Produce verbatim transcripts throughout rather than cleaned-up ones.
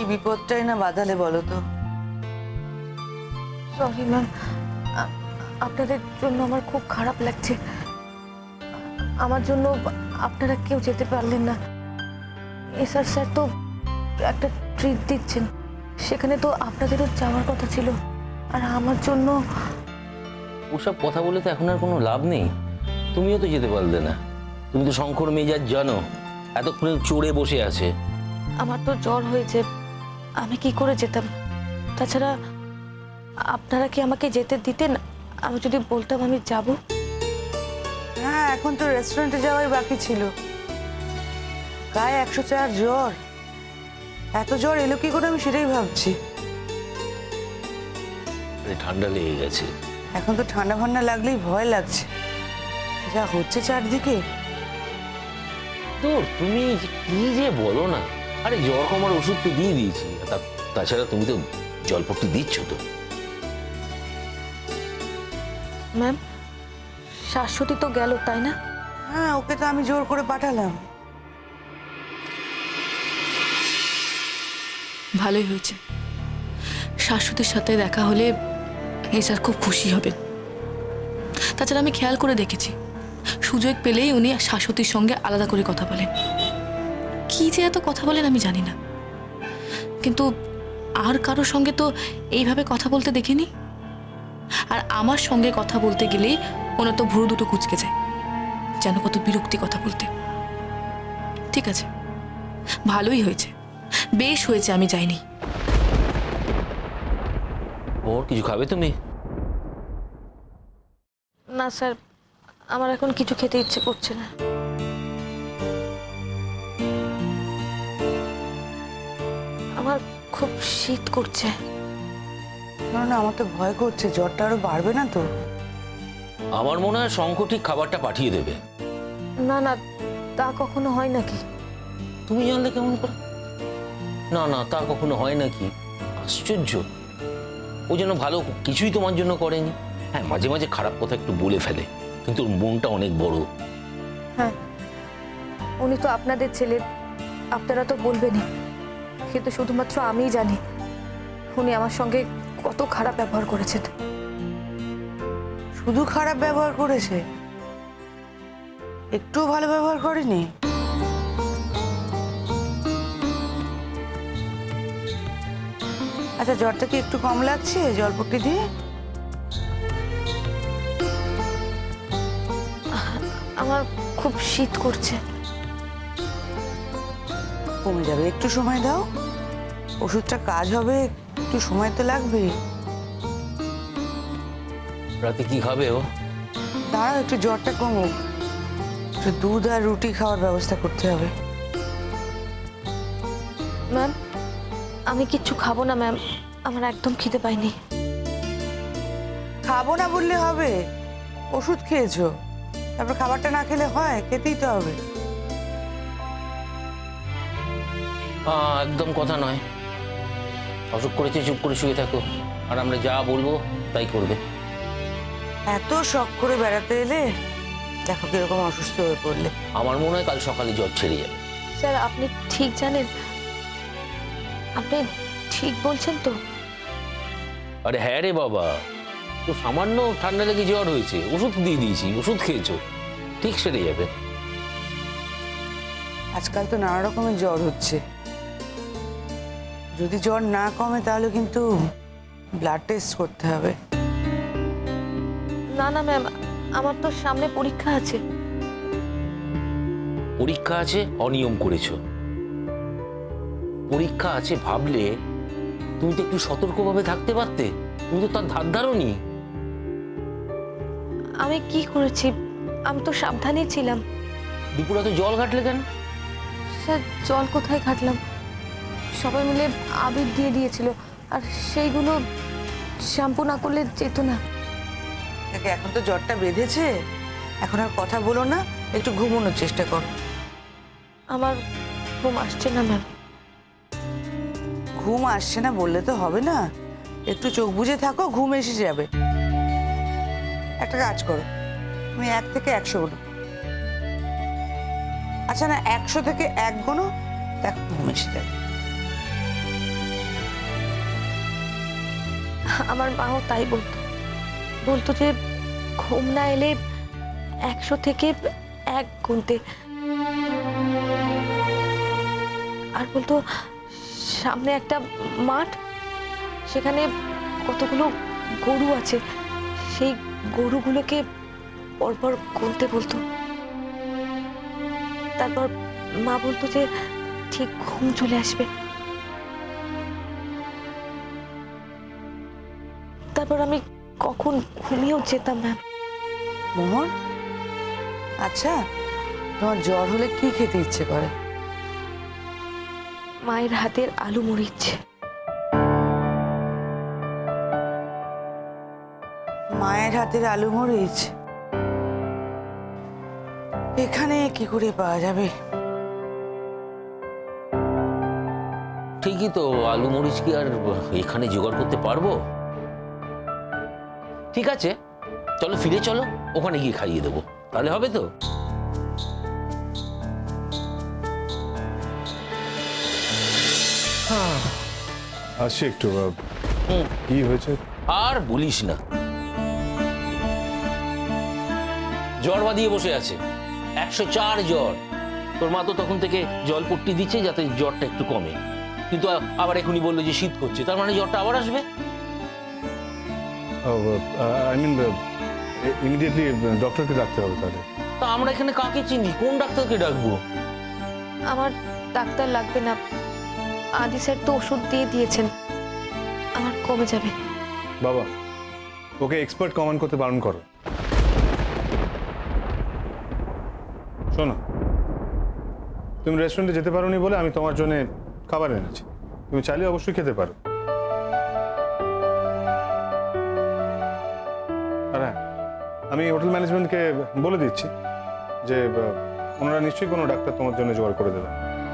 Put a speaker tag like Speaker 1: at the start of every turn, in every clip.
Speaker 1: বিপদটাই না বাঁধালে বলো তো?
Speaker 2: সরি ম্যাম, আপনাদের জন্য আমার খুব খারাপ লাগছে। আমার জন্য আপনারা কেউ যেতে পারলেন না। এসআর স্যার তো একটা ট্রিট দিচ্ছেন, সেখানে তো আপনাদেরও যাওয়ার কথা ছিল, আর আমার জন্য।
Speaker 3: ওসব কথা বলে তো এখন আর কোনো লাভ নেই। তুমিও তো যেতে পারলে না। তুমি তো শঙ্কর মেজাজ জানো, এতক্ষণে চড়ে বসে আছে।
Speaker 2: আমার তো জ্বর হয়েছে, আমি কি করে যেতাম? তাছাড়া আপনারা কি আমাকে যেতে দিতেন আমি যদি বলতাম আমি যাব?
Speaker 1: হ্যাঁ, এখন তো রেস্টুরেন্টে যাওয়াই বাকি ছিল। গায়ে একশো চার জ্বর, এত জ্বর এলো কি করে আমি সেটাই ভাবছি।
Speaker 3: ঠান্ডা লেগে গেছে।
Speaker 1: এখন তো ঠান্ডা ফান্ডা লাগলেই ভয় লাগছে, যা হচ্ছে চারদিকে।
Speaker 3: তোর তুমি কি যে বলো না। আরে জ্বর কমার ওষুধ তো দিয়ে দিয়েছি, তাছাড়া তুমি তো জলপট্টি দিচ্ছ তো।
Speaker 2: ম্যাম, শাশ্বতী তো গেল তাই না?
Speaker 1: হ্যাঁ, ওকে তো আমি জোর করে পাঠালাম।
Speaker 4: ভালোই হয়েছে, শাশ্বতীর সাথে দেখা হলে এসআর খুব খুশি হবেন। তাছাড়া আমি খেয়াল করে দেখেছি, সুযোগ পেলেই উনি শাশ্বতীর সঙ্গে আলাদা করে কথা বলেন। কি যে এত কথা বলেন আমি জানি না, কিন্তু আর কারোর সঙ্গে তো এইভাবে কথা বলতে দেখিনি। আর আমার সঙ্গে কথা বলতে গেলেই ওনার তো ভুরু দুটো কুঁচকে যায়, যেন কত বিরক্তি কথা বলতে। ঠিক আছে, ভালোই হয়েছে, বেশ হয়েছে আমি যাইনি।
Speaker 3: ওর কিছু খাবে তুমি?
Speaker 2: না স্যার, আমার এখন কিছু খেতে ইচ্ছে করছে না। আমার খুব শীত করছে।
Speaker 1: না, আমার তো ভয় করছে, জ্বরটা আরো বাড়বে না তো?
Speaker 3: আমার মনে হয় শঙ্কর ঠিক খাবারটা পাঠিয়ে দেবে।
Speaker 2: না না, তা কখনো হয় নাকি?
Speaker 3: তুমি জানলে কেমন করে? না না, তা কখনো হয় নাকি? আশ্চর্য, ও যেন ভালো কিছুই তোমার জন্য করেনি। হ্যাঁ, মাঝে মাঝে খারাপ কথা একটু বলে ফেলে, কিন্তু ওর মনটা অনেক বড়।
Speaker 2: হ্যাঁ, উনি তো আপনাদের ছেলে, আপনারা তো বলবেনই, কিন্তু শুধুমাত্র আমিই জানি উনি আমার সঙ্গে কত খারাপ ব্যবহার করেছেন।
Speaker 1: শুধু খারাপ ব্যবহার করেছে, একটু ভালো ব্যবহার করেনি? আচ্ছা, জ্বরটা কি একটু কম লাগছে জলপট্টি দিয়ে?
Speaker 2: আমার খুব শীত করছে।
Speaker 1: কমে যাবে, একটু সময় দাও, ওষুধটা কাজ হবে, একটু সময় তো লাগবে।
Speaker 3: রাতে কি খাবে ও?
Speaker 1: দাঁড়াও, একটু জ্বরটা কমুক, একটু দুধ আর রুটি খাওয়ার ব্যবস্থা করতে হবে।
Speaker 2: ম্যাম, আমি কিচ্ছু খাবো না ম্যাম, আমার একদম খিদে পাইনি।
Speaker 1: খাবো না বললে হবে? ওষুধ খেয়েছো, তারপর খাবারটা না খেলে হয়? খেতেই তো হবে।
Speaker 3: আহ, একদম কথা নয়। অসুখ করেছে, চুপ করে শুয়ে থাকো, আর আমরা যা বলবো তাই করবে।
Speaker 1: এত শখ করে বেড়াতে এলে, দেখো কিরকম অসুস্থ হয়ে পড়লে।
Speaker 3: আমার মনে হয় কাল সকালে জ্বর ছেড়ে যাবে।
Speaker 2: স্যার, আপনি ঠিক জানেন? আপনি ঠিক বলছেন তো?
Speaker 3: আরে হ্যাঁ রে বাবা, তো সামান্য ঠান্ডা লেগে জ্বর হয়েছে, ওষুধ দিয়ে দিয়েছি, ওষুধ খেয়েছো, ঠিক সেরে যাবে।
Speaker 1: আজকাল তো নানা রকমের জ্বর হচ্ছে, যদি জ্বর না কমে তাহলে কিন্তু ব্লাড টেস্ট করতে হবে।
Speaker 2: না না ম্যাম, আমার তো সামনে পরীক্ষা আছে।
Speaker 3: পরীক্ষা আছে, অনিয়ম করেছো। পরীক্ষা আছে ভাবলে তুমি তো একটু সতর্কভাবে থাকতে পারতে, তুমি তো তার ধার ধারোনি।
Speaker 2: আমি কি করেছি? আমি তো সাবধানেই ছিলাম।
Speaker 3: দুপুরে তো জল ঘাটলে কেন?
Speaker 2: স্যার, জল কোথায় ঘাটলাম? সবাই মিলে আবির দিয়ে দিয়েছিল, আর সেইগুলো শ্যাম্পু না করলে যেত না।
Speaker 1: দেখে এখন তো জ্বরটা বেঁধেছে, এখন আর কথা বলো না, একটু ঘুমানোর চেষ্টা করো।
Speaker 2: আমার ঘুম আসছে না ম্যাম।
Speaker 1: ঘুম আসছে না বললে তো হবে না, একটু চোখ বুজে থাকো, ঘুম এসে যাবে। একটা কাজ করো, তুমি এক থেকে একশো গোনো। আচ্ছা না, একশো থেকে এক গোনো, দেখো ঘুম এসে যাবে।
Speaker 2: আমার মাও তাই বলতো বলতো যে ঘুম না এলে একশো থেকে এক গুনতে, আর বলতো সামনে একটা মাঠ, সেখানে কতগুলো গরু আছে, সেই গরুগুলোকে পরপর গুনতে বলতো। তারপর মা বলতো যে ঠিক ঘুম চলে আসবে। তারপর আমি কখন ঘুমিয়েও যেতাম না।
Speaker 1: মোহন, আচ্ছা তোমার জ্বর হলে কি খেতে ইচ্ছে করে?
Speaker 2: মায়ের হাতের আলু মরিচ।
Speaker 1: মায়ের হাতের আলু মরিচ এখানে কি করে পাওয়া যাবে?
Speaker 3: ঠিকই তো, আলু মরিচ কি আর এখানে জোগাড় করতে পারবো? ঠিক আছে, চলো ফিরে চলো, ওখানে গিয়ে খাইয়ে দেবো, তাহলে হবে তো?
Speaker 5: আসছি একটু।
Speaker 3: হুম।
Speaker 5: কি হয়েছে?
Speaker 3: আর বলিস না, জ্বর বাঁধিয়ে বসে আছে, একশো চার জ্বর। তোর মা তো তখন থেকে জল পট্টি দিচ্ছে যাতে জ্বরটা একটু কমে, কিন্তু আবার এখনই বললো যে শীত করছে, তার মানে জ্বরটা আবার আসবে।
Speaker 5: আই মিন ইমিডিয়েটলি ডক্টরকে ডাকতে হবে তাহলে।
Speaker 3: তা আমরা এখানে কাকে চিনি, কোন ডাক্তারকে ডাকবো?
Speaker 2: আমার ডাক্তার লাগবে না, আদি স্যার তো ওষুধ দিয়ে দিয়েছেন, আমার কমে যাবে।
Speaker 5: বাবা, ওকে এক্সপার্ট কমান্ড করতে বারণ করো। শোনো, তুমি রেস্টুরেন্টে যেতে পারোনি বলে আমি তোমার জন্য খাবার এনেছি, তুমি চাইলে অবশ্যই খেতে পারো। আর হ্যাঁ, আমি হোটেল ম্যানেজমেন্টকে বলে দিচ্ছি যে আহ, ওনারা নিশ্চয়ই কোনো ডাক্তার তোমার জন্য জোগাড় করে দেবেন।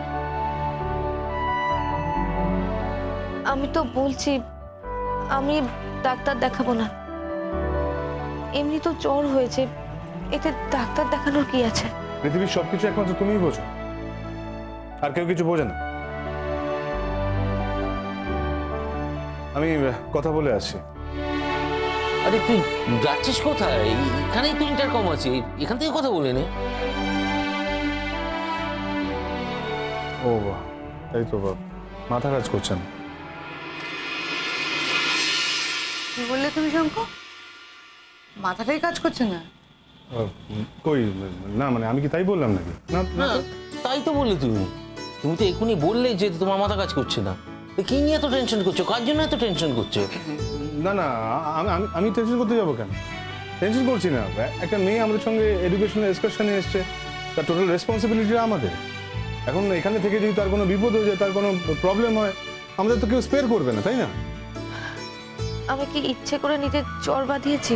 Speaker 2: আমি তো বলছি আমি ডাক্তার দেখাবো না, এমনি তো জ্বর হয়েছে, এতে ডাক্তার দেখানোর কি আছে?
Speaker 5: পৃথিবীর সবকিছু একমাত্র তুমিই বোঝো, আর কেউ কিছু বোঝে না। আমি আহ, কথা বলে আসছি।
Speaker 3: আরে তুই যাচ্ছিস কোথায়? এখানেই তো ইন্টারকম আছে, এখান থেকে কথা বলে নে।
Speaker 5: ও বাহ, তাই তো বাবা, মাথা কাজ করছে না।
Speaker 1: কি বললে তুমি শঙ্কর? মাথাটাই কাজ করছে না?
Speaker 5: আহ, কই না, মানে আমি কি তাই বললাম নাকি? না না
Speaker 3: না,
Speaker 5: তো।
Speaker 3: তাই তো বললে তুমি তুমি তো এখনই বললে যে তোমার মাথা কাজ করছে না। তো কি নিয়ে এত টেনশন করছো, কার জন্য এত টেনশন করছো?
Speaker 5: না না, আমি আমি- আমি টেনশন করতে যাবো কেন? টেনশন করছি না। একটা মেয়ে আমাদের সঙ্গে এডুকেশনাল এক্সকারশনে এসছে, তার টোটাল রেসপন্সিবিলিটি আমাদের। এখন এখানে থেকে যদি তার কোনো বিপদ হয়ে যায়, তার কোনো প্রবলেম হয়, আমাদের তো কেউ স্পেয়ার করবে না, তাই না?
Speaker 2: আমি কি ইচ্ছে করে নিজের জ্বর বাঁধিয়েছি?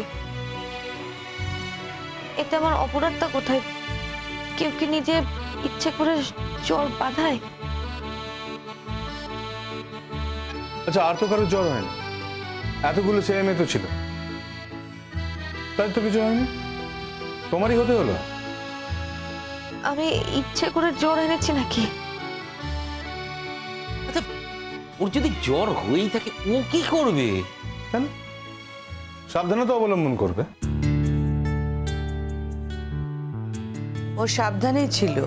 Speaker 2: এতে আমার অপরাধটা কোথায়? কেউ কি নিজে ইচ্ছে করে জ্বর বাঁধায়?
Speaker 5: আচ্ছা, আর তো কারোর জ্বর হয়নি, এতগুলো ছেলে মেয়ে তো ছিল, তাই তো কিছু হয়নি, তোমারই হতে হলো।
Speaker 2: আমি ইচ্ছে করে জ্বর এনেছি নাকি?
Speaker 3: আচ্ছা, ওর যদি জ্বর হয়েই থাকে ও কি করবে?
Speaker 5: কেন? সাবধানতা অবলম্বন করবে।
Speaker 1: ও সাবধানেই ছিল,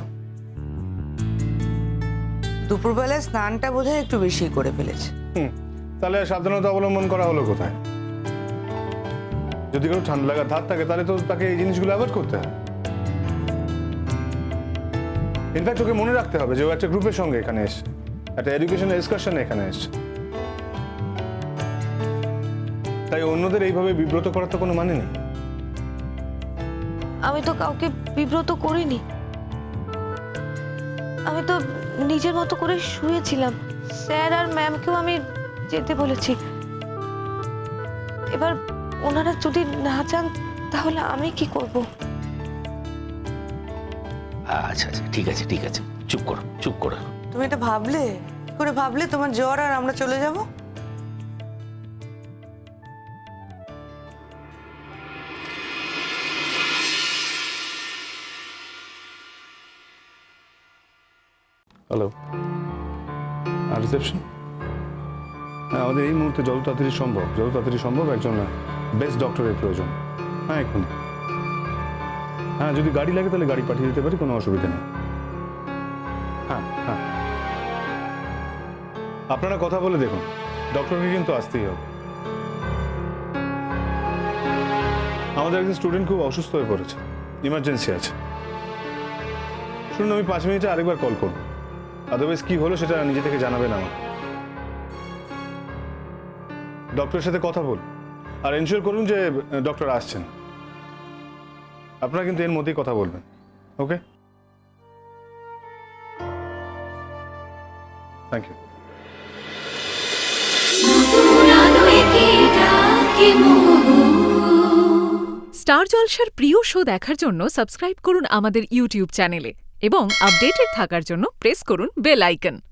Speaker 1: দুপুরবেলায় স্নানটা বোধহয় একটু বেশি করে ফেলেছে।
Speaker 5: হুম, তাহলে আর সাবধানতা অবলম্বন করা হলো কোথায়? যদি কোনো ঠান্ডা লাগার ধার থাকে তাহলে তো তাকে এই জিনিসগুলো অ্যাভয়েড করতে হয়। ইনফ্যাক্ট ওকে মনে রাখতে হবে যে ও একটা গ্রুপের সঙ্গে এখানে এসছে, একটা এডুকেশনাল এক্সকারশনে এখানে এসছে। তাই অন্যদের এইভাবে বিব্রত করার তো কোনো মানে নেই।
Speaker 2: আমি তো কাউকে বিব্রত করিনি, আমি তো নিজের মতো করে শুয়েছিলাম। স্যার আর ম্যামকেও আমি যেতে বলেছি। এবার ওনারা যদি না চান তাহলে আমি কি করব?
Speaker 3: আচ্ছা আচ্ছা, ঠিক আছে ঠিক আছে, চুপ করো চুপ করো।
Speaker 1: তুমি এটা ভাবলে কি করে? ভাবলে তোমার জ্বর আর আমরা চলে যাব?
Speaker 5: হ্যালো, আর রিসেপশন? হ্যাঁ, আমাদের এই মুহূর্তে যত তাড়াতাড়ি সম্ভব যত তাড়াতাড়ি সম্ভব একজন বেস্ট ডক্টরের প্রয়োজন। হ্যাঁ এক্ষুনি। হ্যাঁ যদি গাড়ি লাগে তাহলে গাড়ি পাঠিয়ে দিতে পারি, কোনো অসুবিধা নেই। হ্যাঁ হ্যাঁ আপনারা কথা বলে দেখুন, ডক্টরকে কিন্তু আসতেই হবে। আমাদের একজন স্টুডেন্ট খুব অসুস্থ হয়ে পড়েছে, ইমার্জেন্সি আছে। শুনুন, আমি পাঁচ মিনিটে আরেকবার কল করব, আদারওয়াইজ কি হলো সেটা নিজে থেকে জানাবেন আমাকে। ডক্টরের সাথে কথা বল আর এনশিওর করুন যে ডক্টর আসছেন। আপনারা কিন্তু এর মধ্যেই কথা বলবেন, ওকে? Thank you.
Speaker 6: স্টার জলসার প্রিয় শো দেখার জন্য সাবস্ক্রাইব করুন আমাদের ইউটিউব চ্যানেলে এবং আপডেটেড থাকার জন্য প্রেস করুন বেল আইকন।